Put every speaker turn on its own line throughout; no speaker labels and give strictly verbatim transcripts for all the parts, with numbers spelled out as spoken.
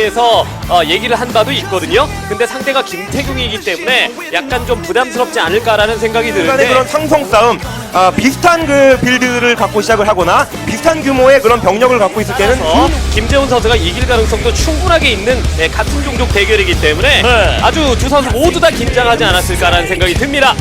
대해서 어, 얘기를 한 바도 있거든요. 근데 상대가 김태경이기 때문에 약간 좀 부담스럽지 않을까라는 생각이 드는데
그런 상성 싸움, 아, 비슷한 그 빌드를 갖고 시작을 하거나 비슷한 규모의 그런 병력을 갖고 있을 때는
어, 김재훈 선수가 이길 가능성도 충분하게 있는 네, 같은 종족 대결이기 때문에
네.
아주 두 선수 모두 다 긴장하지 않았을까라는 생각이 듭니다.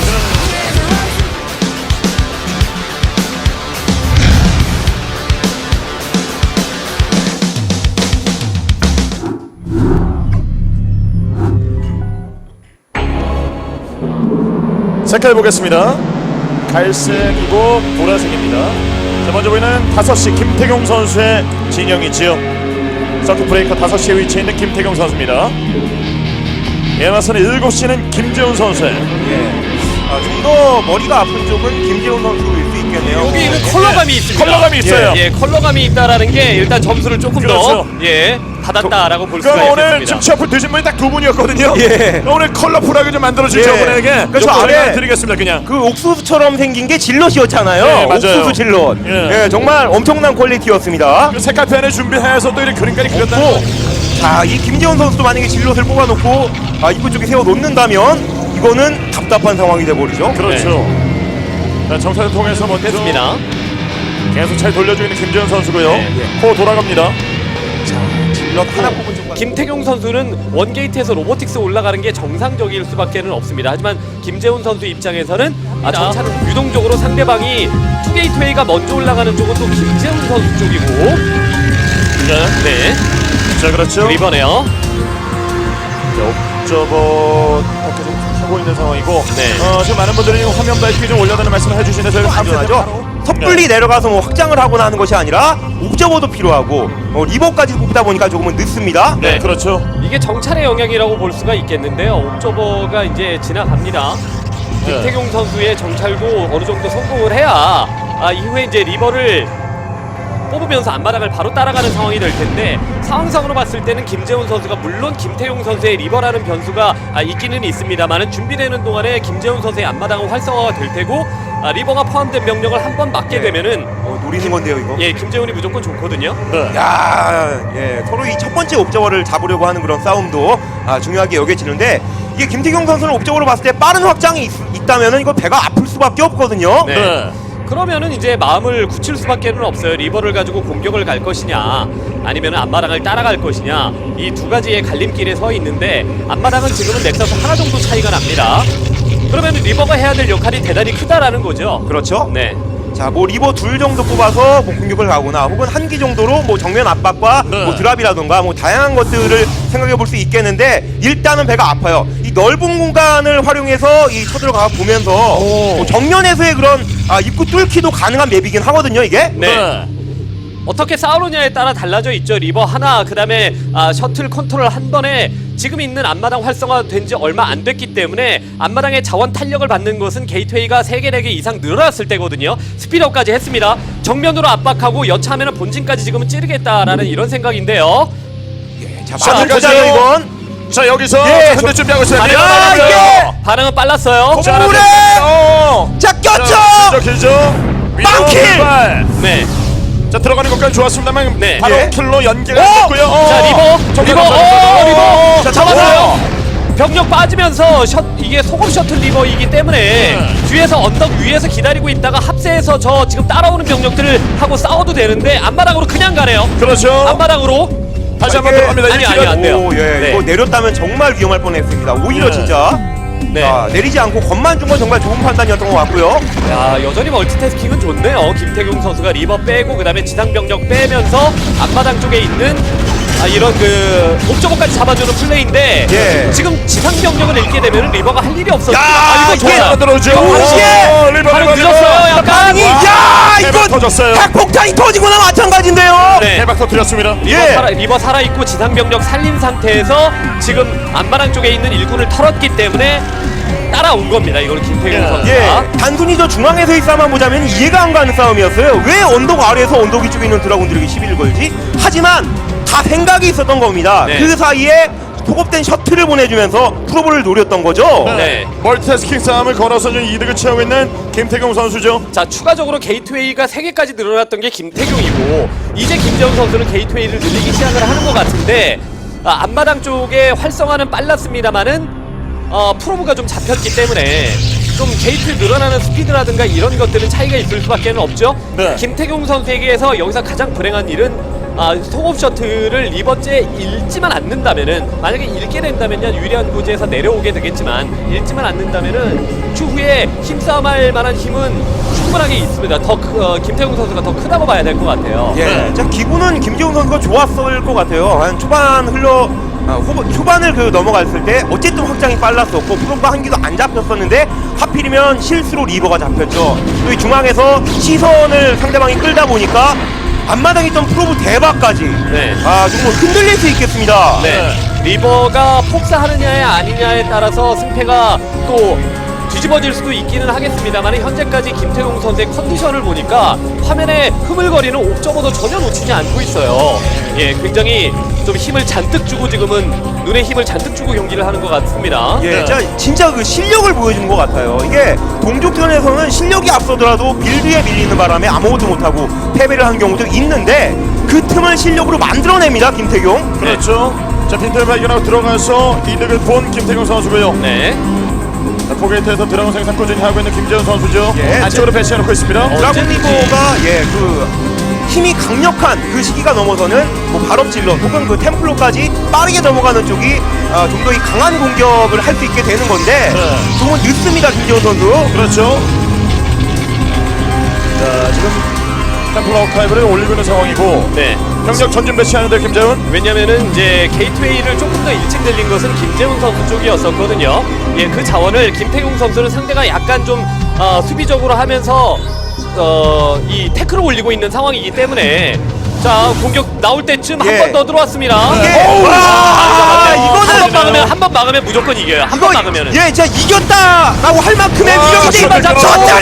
색깔 보겠습니다. 갈색이고 보라색입니다. 자, 먼저 보이는 다섯 시 김태경 선수의 진영이지요. 서킷 브레이커 다섯 시에 위치해 있는 김태경 선수입니다. 이에 맞서는 일곱 시는 김재훈 선수의
아, 좀 더 머리가 아픈 쪽은 김재훈 선수일 수 있겠네요.
여기는 컬러감이 있습니다.
컬러감이 있어요.
예, 예, 컬러감이 있다라는 게 일단 점수를 조금
그렇죠.
더 예, 받았다라고 볼 수가
그럼 오늘
있겠습니다.
지금 취업을 드신 분이 딱 두 분이었거든요.
예.
오늘 컬러풀하게 좀 만들어주죠.
예.
저분에게.
그러니까 저
요거
안에
안에 드리겠습니다. 그냥.
그 옥수수처럼 생긴 게 질럿이었잖아요.
네, 맞아요.
옥수수 질럿.
예.
예, 정말 엄청난 퀄리티였습니다.
그 색깔펜을 준비해서 또 이렇게 그림까지 그렸다는
고 자, 이 김재훈 선수도 만약에 질럿을 뽑아놓고 아, 입구 쪽에 세워 놓는다면 이거는 답답한 상황이 돼버리죠.
그렇죠. 자, 정찰을 통해서 먼저
됐습니다.
계속 잘 돌려주고 있는 김재훈 선수고요.
네.
코 돌아갑니다.
질럿 하나 뽑은 쪽.
김태경 선수는 원게이트에서 로보틱스 올라가는 게 정상적일 수밖에는 없습니다. 하지만 김재훈 선수 입장에서는 아, 정찰은 유동적으로 상대방이 투게이트웨이가 먼저 올라가는 쪽은 또 김재훈 선수 쪽이고
네.
네,
자, 그렇죠.
리버네요.
자, 옵저버 밖에 좀 하고 있는 상황이고.
네.
어, 지금 많은 분들이 화면 밝기 좀 올려달라는 말씀을 해주시는데 저희가
당연하죠. 섣불리 내려가서 뭐 확장을 하거나 하는 것이 아니라 옥저버도 필요하고 어, 리버까지 뽑다 보니까 조금은 늦습니다.
네,
네.
그렇죠.
이게 정찰의 영향이라고 볼 수가 있겠는데요. 옥저버가 이제 지나갑니다.
네.
김태경 선수의 정찰도 어느 정도 성공을 해야 아, 이후에 이제 리버를 뽑으면서 앞마당을 바로 따라가는 상황이 될 텐데 상황상으로 봤을 때는 김재훈 선수가 물론 김태용 선수의 리버라는 변수가 아, 있기는 있습니다만은 준비되는 동안에 김재훈 선수의 앞마당은 활성화가 될 테고 아, 리버가 포함된 병력을 한 번 맞게 되면은
어, 노리는 건데요, 이거.
예 김재훈이 무조건 좋거든요.
네.
야, 예, 서로 이 첫 번째 옵저버를 잡으려고 하는 그런 싸움도 아, 중요하게 여겨지는데 이게 김태경 선수는 옵저버로 봤을 때 빠른 확장이 있, 있다면은 이거 배가 아플 수밖에 없거든요.
네.
네.
그러면은 이제 마음을 굳힐 수밖에는 없어요. 리버를 가지고 공격을 갈 것이냐 아니면 앞마당을 따라갈 것이냐 이 두 가지의 갈림길에 서 있는데 앞마당은 지금은 넥서스 하나 정도 차이가 납니다. 그러면 리버가 해야 될 역할이 대단히 크다라는 거죠.
그렇죠.
네.
자, 뭐 리버 둘 정도 뽑아서 뭐 공격을 가거나 혹은 한 기 정도로 뭐 정면 압박과
네.
뭐 드랍이라던가 뭐 다양한 것들을 생각해 볼 수 있겠는데 일단은 배가 아파요. 이 넓은 공간을 활용해서 이 쳐들어가 보면서 뭐 정면에서의 그런 아, 입구 뚫기도 가능한 맵이긴 하거든요, 이게.
네.
네.
어떻게 싸우느냐에 따라 달라져 있죠. 리버 하나, 그 다음에 아, 셔틀 컨트롤 한 번에 지금 있는 앞마당 활성화된 지 얼마 안 됐기 때문에 앞마당의 자원 탄력을 받는 것은 게이트웨이가 세 개, 네 개 이상 늘어났을 때거든요. 스피드업까지 했습니다. 정면으로 압박하고 여차하면 본진까지 지금은 찌르겠다라는 이런 생각인데요.
자,
자,
맞은
들어가죠.
거죠, 이건.
자, 여기서
예,
현대 준비하고 있어요.
반응,
밀어나가고요.
이게!
반응은 빨랐어요.
자,
오래!
어.
자, 꼈죠!
자, 길죠, 길죠.
빵킬!
왼발.
네.
자, 들어가는 것까지 좋았습니다만
네.
바로
예.
킬로 연계가
오!
됐고요. 어.
자, 리버,
정면
리버,
넘어가요.
오, 리버.
자,
잡았어요. 병력 빠지면서 셔, 이게 소금 셔틀 리버이기 때문에
네.
뒤에서 언덕 위에서 기다리고 있다가 합세해서 저 지금 따라오는 병력들을 하고 싸워도 되는데 앞마당으로 그냥 가네요.
그렇죠.
앞마당으로.
다시 한번
이게-
들어갑니다.
아니,
일
아니,
킬로.
안 돼요.
오, 예.
네.
이거 내렸다면 정말 위험할 뻔했습니다. 오히려
예.
진짜
네.
아, 내리지 않고 겁만 준 건 정말 좋은 판단이었던 것 같고요.
야, 여전히 멀티태스킹은 좋네요. 김태경 선수가 리버 빼고 그다음에 지상 병력 빼면서 앞마당 쪽에 있는 아, 이런 그 옵저버까지 잡아주는 플레이인데
예.
지금 지상 병력을 잃게 되면 리버가 할 일이 없었어요.
야,
아, 이거
이게
좋아요.
들어오죠.
이거
당시에
오, 리버,
바로
리버,
늦었어요.
리버.
약간.
야,
대박
이거
터졌어요.
핵폭탄이 터지거나 마찬가지인데요.
네.
대박 터뜨렸습니다.
리버,
예.
살아, 리버 살아있고 지상 병력 살린 상태에서 지금 앞마당 쪽에 있는 일군을 털었기 때문에 따라온 겁니다. 이걸 김태경
예.
선수가.
예, 단순히 저 중앙에서의 싸움만 보자면 이해가 안 가는 싸움이었어요. 왜 언덕 아래에서 언덕 위쪽에 있는 드라군들에게 시비를 걸지? 하지만 다 생각이 있었던 겁니다.
네.
그 사이에 소급된 셔틀을 보내주면서 프로볼을 노렸던 거죠.
네.
멀티태스킹 싸움을 걸어서 좀 이득을 취하고 있는 김태경 선수죠.
자, 추가적으로 게이트웨이가 세 개까지 늘어났던 게 김태경이고 이제 김재훈 선수는 게이트웨이를 늘리기 시작을 하는 것 같은데 아, 앞마당 쪽에 활성화는 빨랐습니다만은 어, 프로브가 좀 잡혔기 때문에 좀 게이트 늘어나는 스피드라든가 이런 것들은 차이가 있을 수밖에 없죠.
네.
김태경 선수에게서 여기서 가장 불행한 일은 아, 속업 셔틀을 리버째 읽지만 않는다면은, 만약에 읽게 된다면요 유리한 구제에서 내려오게 되겠지만 읽지만 않는다면은 추후에 힘싸움할 만한 힘은 충분하게 있습니다. 더 크, 어, 김태경 선수가 더 크다고 봐야 될 것 같아요.
예,
네.
자 기분은 김재웅 선수가 좋았을 것 같아요. 한 초반 흘러 아, 후보, 초반을 그 넘어갔을 때 어쨌든 확장이 빨랐었고 프로브가 한 기도 안 잡혔었는데 하필이면 실수로 리버가 잡혔죠. 또 이 중앙에서 시선을 상대방이 끌다 보니까 앞마당에 있던 프로브 대박까지
네.
아 정말 흔들릴 수 있겠습니다.
네. 리버가 폭사하느냐에 아니냐에 따라서 승패가 또 뒤집어질 수도 있기는 하겠습니다만, 현재까지 김태용 선수의 컨디션을 보니까 화면에 흐물거리는 옵저버도 전혀 놓치지 않고 있어요. 예, 굉장히 좀 힘을 잔뜩 주고 지금은 눈에 힘을 잔뜩 주고 경기를 하는 것 같습니다.
예,
네.
진짜, 진짜 그 실력을 보여주는 것 같아요. 이게 동족전에서는 실력이 앞서더라도 빌드에 밀리는 바람에 아무것도 못하고 패배를 한 경우도 있는데 그 틈을 실력으로 만들어냅니다, 김태경.
그렇죠. 자, 빈틈을 발견하고 들어가서 이득을 본 김태경 선수고요.
네.
자, 포게이트에서 드라곤 생산 꾸준히 하고 있는 김재훈 선수죠.
예,
안쪽으로 배치해놓고 있습니다.
드라군
언제든지.
리버가 예, 그 힘이 강력한 그 시기가 넘어서는 뭐 발업질러 혹은 그 템플로까지 빠르게 넘어가는 쪽이 아, 좀 더 이 강한 공격을 할 수 있게 되는 건데
네.
조금 늦습니다, 김재훈 선수.
그렇죠. 자, 지금 템플 아웃타입을 올리고 있는 상황이고,
네.
병력 전진 배치하는데 김재훈.
왜냐면은 이제 게이트웨이를 조금 더 일찍 늘린 것은 김재훈 선수 쪽이었었거든요. 예, 그 자원을 김태용 선수는 상대가 약간 좀 어, 수비적으로 하면서 어, 이 태클을 올리고 있는 상황이기 때문에, 자, 공격 나올 때쯤
예.
한 번 더 들어왔습니다.
이게
어우,
와,
아,
이거는
한번 막으면 한 번 막으면 무조건 이겨요. 한 번 막으면은.
예, 진짜 이겼다라고 할 만큼의
와,
위력인데
신발 잡고.
졌다리.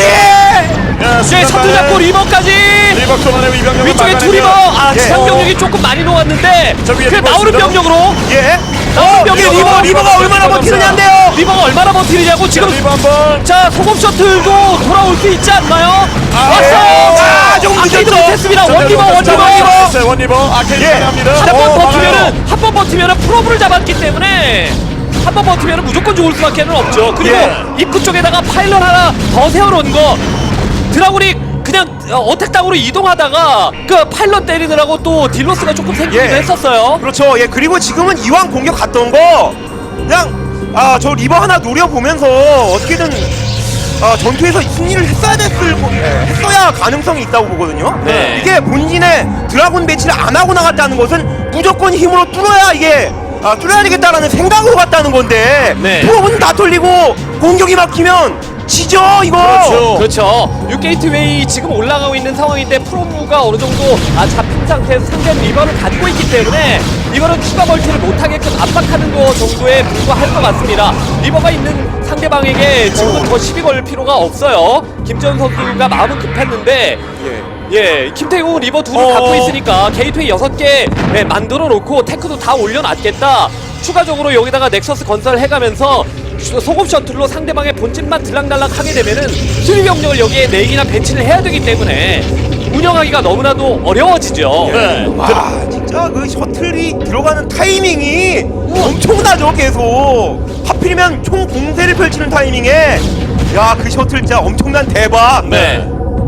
야,
예, 셔틀 잡고 리버까지.
리버 또만의 이병력을
위쪽에 두 리버. 아,
예.
지상 병력이 조금 많이 놓았는데
저 위에
그
리버
나오는
있습니다.
병력으로
예.
나오는
어, 이게
병력으로
리버 리버가 얼마나 버티느냐인데요.
리버가 얼마나 버티느냐고 지금.
리버 한번.
자, 소금 셔틀도 돌아올 수 있지 않나요? 왔어요!
아, 조금
아케이드
늦었죠.
못했습니다. 원리버, 원리버!
원리버. 원리버. 아케이드
예.
합니다.
한 번 버티면은, 한 번 버티면은 프로브를 잡았기 때문에 한 번 버티면은 무조건 죽을 수밖에 는 없죠. 그리고
예.
입구 쪽에다가 파일럿 하나 더 세워놓은 거, 드라군이 그냥 어, 어택당으로 이동하다가 그 파일럿 때리느라고 또 딜로스가 조금 생기기도
예.
했었어요.
그렇죠. 예, 그리고 지금은 이왕 공격 갔던 거 그냥 아, 저 리버 하나 노려보면서 어떻게든 아, 전투에서 승리를 했어야 됐을 거- 예, 했어야 가능성이 있다고 보거든요.
네.
이게 본진에 드라군 배치를 안 하고 나갔다는 것은 무조건 힘으로 뚫어야 이게 아, 뚫어야 되겠다라는 생각으로 갔다는 건데
네.
프로는 다 털리고 공격이 막히면 지죠 이거.
그렇죠.
그렇죠. 육 게이트웨이 지금 올라가고 있는 상황인데 프로브가 어느 정도 아, 잡힌 상태에서 상대 리버를 가지고 있기 때문에 이거는 추가 멀티를 못하게끔 압박하는 거 정도에 불과할 것 같습니다. 리버가 있는 상대방에게 지금은 더 시비 걸 필요가 없어요. 김재훈 선수가 마음은 급했는데
예.
예, 김태용 리버 둘을
어.
갖고 있으니까 게이트웨이 여섯 개 예, 만들어 놓고 테크도 다 올려놨겠다. 추가적으로 여기다가 넥서스 건설해가면서 소금 셔틀로 상대방의 본진만 들락날락 하게 되면은 수비 병력을 여기에 네 개나 배치를 해야 되기 때문에 운영하기가 너무나도 어려워지죠.
네.
와, 진짜 그 셔틀이 들어가는 타이밍이 엄청나죠 계속. 하필이면 총 공세를 펼치는 타이밍에 야, 그 셔틀 진짜 엄청난 대박.
네.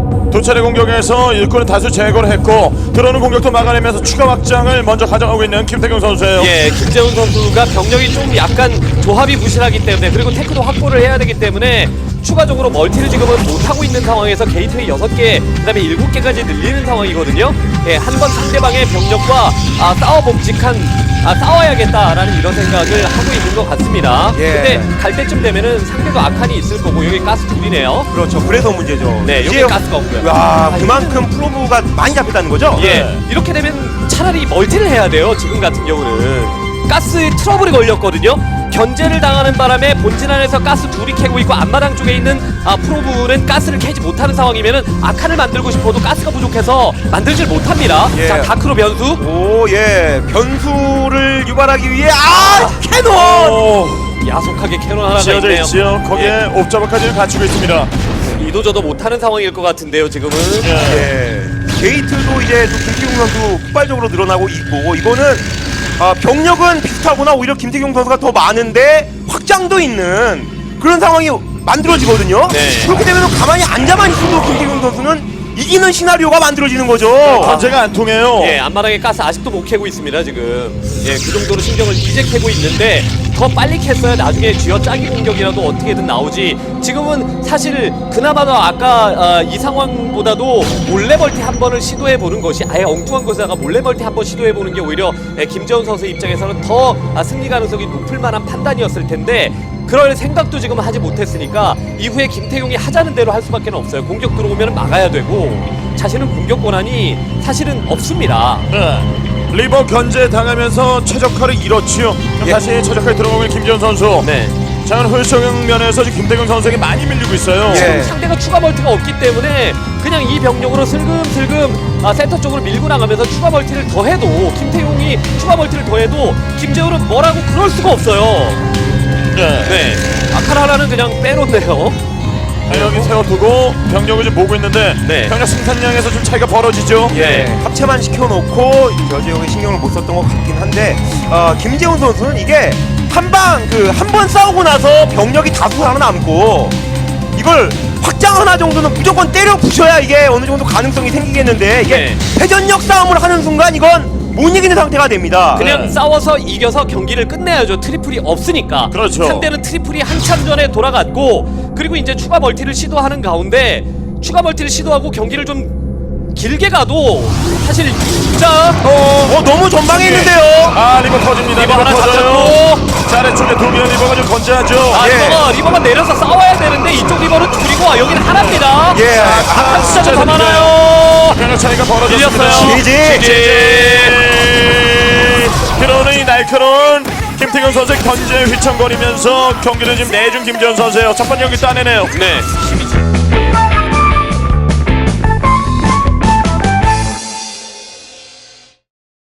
두 차례 공격에서 일꾼을 다수 제거를 했고 들어오는 공격도 막아내면서 추가 확장을 먼저 가져가고 있는 김태경 선수예요.
예, 김재훈 선수가 병력이 좀 약간 조합이 부실하기 때문에, 그리고 테크도 확보를 해야 되기 때문에 추가적으로 멀티를 지금은 못하고 있는 상황에서 게이트웨이 여섯 개, 그 다음에 일곱 개까지 늘리는 상황이거든요. 예, 한 번 상대방의 병력과 아, 싸워 봄직한 아, 싸워야겠다라는 이런 생각을 하고 있는 것 같습니다.
예.
근데 갈 때쯤 되면은 상대도 악한이 있을 거고, 여기 가스 둘이네요.
그렇죠. 그래서 문제죠.
네,
이제
여기 가스가 없고요.
와, 그만큼 프로브가 많이 잡혔다는 거죠?
예,
네.
이렇게 되면 차라리 멀티를 해야 돼요. 지금 같은 경우는 가스 트러블이 걸렸거든요. 견제를 당하는 바람에 본진 안에서 가스 둘이 캐고 있고 앞마당 쪽에 있는 아, 프로브는 가스를 캐지 못하는 상황이면은 아칸을 만들고 싶어도 가스가 부족해서 만들질 못합니다.
예.
자, 다크로 변수.
오, 예. 변수를 유발하기 위해 아, 캐논!
오,
야속하게 캐논 하나가
지어져
있네요.
있지요. 거기에 옵저버까지는 갖추고 있습니다.
이도저도 못하는 상황일 것 같은데요. 지금은.
예.
예. 게이트도 이제 또 김기웅 선수 폭발적으로 늘어나고 있고 이거는 아, 병력은 비슷하거나 오히려 김태경 선수가 더 많은데 확장도 있는 그런 상황이 만들어지거든요.
네.
그렇게 되면 가만히 앉아만 있어도 김태경 선수는 이기는 시나리오가 만들어지는 거죠.
견제가 안 통해요.
예, 앞마당에 가스 아직도 못 캐고 있습니다, 지금. 예, 그 정도로 신경을 이제 캐고 있는데 더 빨리 캤어야 나중에 쥐어 짜기 공격이라도 어떻게든 나오지. 지금은 사실 그나마도 아까 아, 이 상황보다도 몰래멀티 한 번을 시도해 보는 것이 아예 엉뚱한 것에다가 몰래멀티 한 번 시도해 보는 게 오히려 예, 김재원 선수 입장에서는 더 아, 승리 가능성이 높을 만한 판단이었을 텐데 그럴 생각도 지금 하지 못했으니까 이후에 김태용이 하자는 대로 할 수밖에 없어요. 공격 들어오면 막아야 되고 자신은 공격 권한이 사실은 없습니다.
네. 리버 견제 당하면서 최적화를 잃었지요.
예.
다시 최적화에 들어오는 김재원 선수.
네.
자, 훌성 면에서 지금 김태경 선수에게 많이 밀리고 있어요.
예.
지금 상대가 추가 멀티가 없기 때문에 그냥 이 병력으로 슬금슬금 아, 센터 쪽으로 밀고 나가면서 추가 멀티를 더해도 김태용이 추가 멀티를 더해도 김재훈은 뭐라고 그럴 수가 없어요.
네.
네. 아칼 하나는 그냥 빼놓네요.
네, 여기 세워두고 병력을 좀 모으고 있는데
네.
병력 생산량에서 좀 차이가 벌어지죠.
예.
합체만 시켜놓고 저 지역에 신경을 못 썼던 것 같긴 한데 어, 김재훈 선수는 이게 한방 그 한 번 싸우고 나서 병력이 다수 살아남고 이걸 확장 하나 정도는 무조건 때려 부셔야 이게 어느 정도 가능성이 생기겠는데 이게
네.
회전력 싸움을 하는 순간 이건 못 이기는 상태가 됩니다.
그냥
네.
싸워서 이겨서 경기를 끝내야죠. 트리플이 없으니까.
그렇죠.
상대는 트리플이 한참 전에 돌아갔고 그리고 이제 추가 멀티를 시도하는 가운데 추가 멀티를 시도하고 경기를 좀 길게 가도 사실 자
어, 어, 너무 전방에 있는데요.
아, 리버 터집니다.
리버 하나
터져요.
잡혔고.
자, 아래쪽에 두 개의 리버가 좀 건재하죠.
아,
예.
리버가 리버가 내려서 싸워야 되는데 이쪽 리버는 줄이고 와 여기는 하나입니다.
예.
아까 숫자가
진짜
더 많아요.
병력 차이가 벌어졌습니다.
밀렸어요.
지지.
지지.
들어오는 이 날카로운 김태경 선수의 견제 휘청거리면서 경기를 지금 내준 김재원 선수예요. 첫 번째 경기 따내네요.
네.